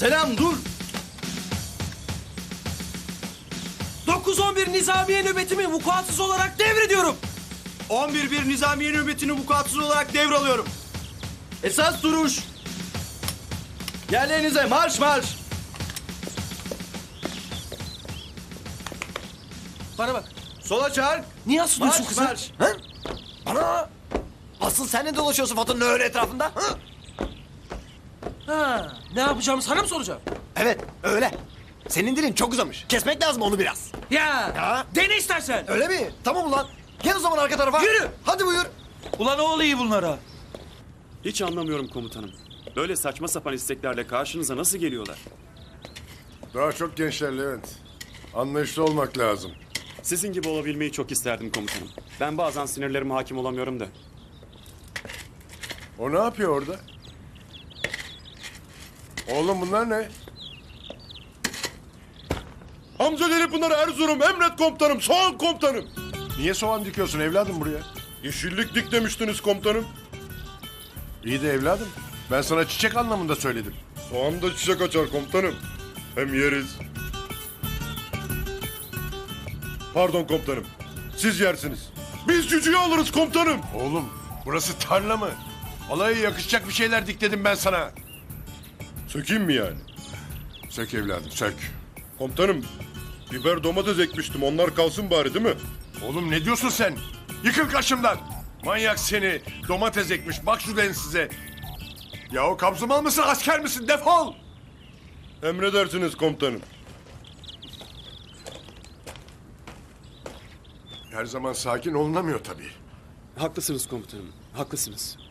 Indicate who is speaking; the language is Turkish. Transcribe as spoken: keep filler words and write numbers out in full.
Speaker 1: Selam dur. dokuz on bir Nizamiye nöbetimi vukuatsız olarak devrediyorum.
Speaker 2: on bir bir Nizamiye nöbetini vukuatsız olarak devralıyorum.
Speaker 1: Esas duruş. Yerlerinize marş marş. Bana bak.
Speaker 2: Sola çark.
Speaker 1: Niye asılıyorsun
Speaker 2: Marş,
Speaker 1: kıza?
Speaker 2: marş.
Speaker 1: Ha?
Speaker 3: Ana! Asıl sen ne dolaşıyorsun Faton'un öyle etrafında? Hı?
Speaker 1: Ha, ne yapacağımı sana mı soracağım?
Speaker 3: Evet, öyle. Senin dilin çok uzamış. Kesmek lazım onu biraz.
Speaker 1: Ya,
Speaker 3: Ya.
Speaker 1: dene istersen.
Speaker 3: Öyle mi? Tamam ulan. Gel o zaman arka tarafa.
Speaker 1: Yürü.
Speaker 3: Hadi buyur.
Speaker 1: Ulan o oluyor bunlara.
Speaker 4: Hiç anlamıyorum komutanım. Böyle saçma sapan isteklerle karşınıza nasıl geliyorlar?
Speaker 5: Daha çok gençler Levent. Anlayışlı olmak lazım.
Speaker 4: Sizin gibi olabilmeyi çok isterdim komutanım. Ben bazen sinirlerime hakim olamıyorum da.
Speaker 5: O ne yapıyor orada? Oğlum bunlar ne?
Speaker 6: Hamza Deli Pınar Erzurum, emret komutanım, soğan komutanım.
Speaker 5: Niye soğan dikiyorsun evladım buraya?
Speaker 6: Yeşillik dik demiştiniz komutanım.
Speaker 5: İyi de evladım. Ben sana çiçek anlamında söyledim.
Speaker 6: Soğan da çiçek açar komutanım. Hem yeriz. Pardon komutanım, siz yersiniz. Biz cücüğü alırız komutanım.
Speaker 5: Oğlum burası tarla mı? Alaya yakışacak bir şeyler dikledim ben sana.
Speaker 6: Sökeyim mi yani?
Speaker 5: Sök evladım sök.
Speaker 6: Komutanım, biber domates ekmiştim, onlar kalsın bari değil mi?
Speaker 5: Oğlum ne diyorsun sen? Yıkıl karşımdan. Manyak seni. Domates ekmiş. Bak şu size. Ya o kabzımal mısın asker misin? Defol.
Speaker 6: Emredersiniz komutanım.
Speaker 5: Her zaman sakin olunamıyor tabii.
Speaker 4: Haklısınız komutanım, haklısınız.